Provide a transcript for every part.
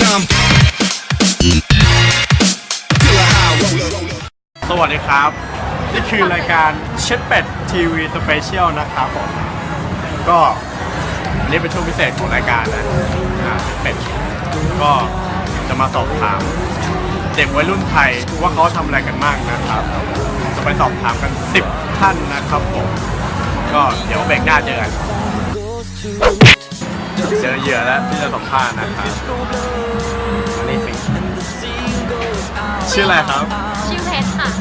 time. สวัสดีครับนี่คือรายการเช็ดเป็ดทีวีสเปเชียลนะครับผมก็อันนี้เป็นช่วงพิเศษของรายการนะเป็ดก็จะมาสอบถามเด็กวัยรุ่นไทยว่าเขาทำอะไรกันบ้างนะครับจะไปสอบถามกัน10ท่านนะครับผมก็เดี๋ยวเบรกหน้าเจอกันเจอเหยื่อแล้วที่จะสัมภาษณ์นะครับอันนี้สิชื่ออะไรครับชื่อเพชรค่ะ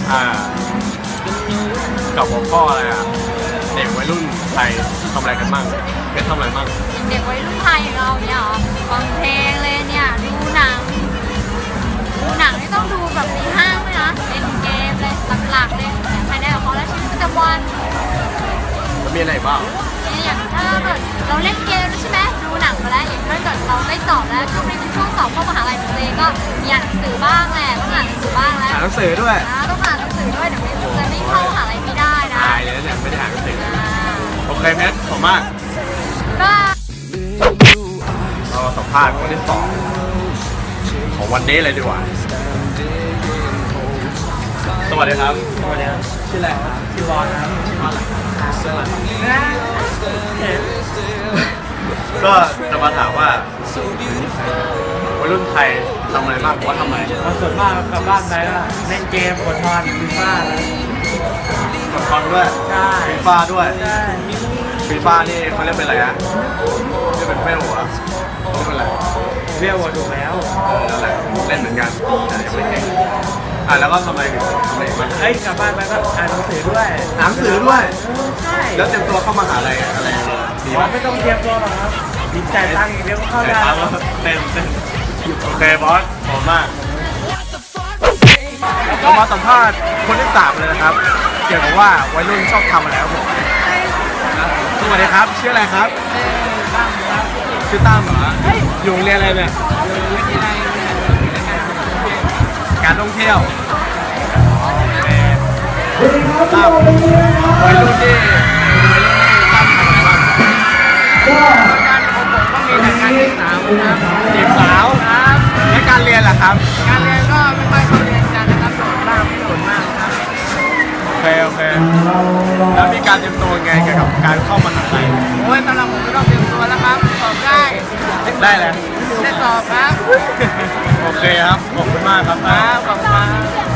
กับหัวข้ออะไรเด็กวัยรุ่นไทยทำอะไรกันบ้างเพชรทำอะไรบ้างเด็กวัยรุ่นไทยอย่างเราเนี่ยเหรอฟังเพลงเลยเนี่ยดูหนังไม่ต้องดูแบบในห้างเลยนะเล่นเกมเลยหลักๆเลยภายในของเขาและชีวิตประจำวันแล้วมีอะไรบ้างอย่างถ้าเกิดเราเล่นเกมใช่ไหมดูหนังมาแล้วอย่างถ้าเกิดเราได้สอบแล้วช่วงนี้เป็นช่วงสอบเข้ามหาลัยตัวเองก็มีอ่านหนังสือบ้างแหละต้องอ่านหนังสือบ้างแล้วอ่านหนังสือด้วยต้องอ่านหนังสือด้วยเดี๋ยวจะไม่เข้ามหาลัยไม่ได้นะตายเลยเนี่ยไม่ได้อ่านหนังสือโอเคเพชรขอบมากก็เราสัมภาษณ์คนที่2ของวันนี้เลยดีกว่าสวัสดีครับสวัสดีครับชื่ออะไรครับชื่อบอลครับชื่อบอลก็จะมาถามว่าวัยรุ่นไทยทำอะไรบ้างว่าทำอะไรส่วนมากกลับบ้านไปก็เล่นเกมกดทอนฟีฟ่าแล้วกดทอนด้วยใช่ฟีฟ่าด้วยใช่ฟีฟ่านี่เขาเรียกเป็นอะไรนะเรียกเป็นเวลหัวเรียกเป็นอะไรเวลหัวถูกแล้วนั่นแหละเล่นเหมือนกันแต่ยังไม่เก่งแล้วก็ทำอะไรบ้างกลับบ้านไปก็อ่านหนังสือด้วยหนังสือด้วยใช่แล้วเตรียมตัวเข้ามหาลัยอะไรดีมั้ยไม่ต้องเตรียมตัวหรอกครับมีจ่ายตังค์อย่างเดียวก็เข้าได้เต้นโอเคบอสขอบมากเรามาสัมภาษณ์คนที่3เลยนะครับเกี่ยวกับว่าวัยรุ่นชอบทำอะไรครับผมสวัสดีครับชื่ออะไรครับชื่อตั้มเหรออยู่โรงเรียนอะไรเนี่ยการท่องเที่ยวตั้มวัยรุ่นที่ตั้มทำอะไรบ้างการของผมก็มีแต่การศึกษาครับจีบสาวครับและการเรียนล่ะครับการเรียนก็ไม่ค่อยเข้าเรียนกันนะครับส่วนมากส่วนมากครับโอเคแล้วมีการเตรียมตัวไงเกี่ยวกับการเข้ามหาลัยโอ้ยสำหรับผมไม่ต้องเตรียมตัวแล้วครับสอบได้เลยได้สอบครับโอเคครับขอบคุณมากครับขอบคุณ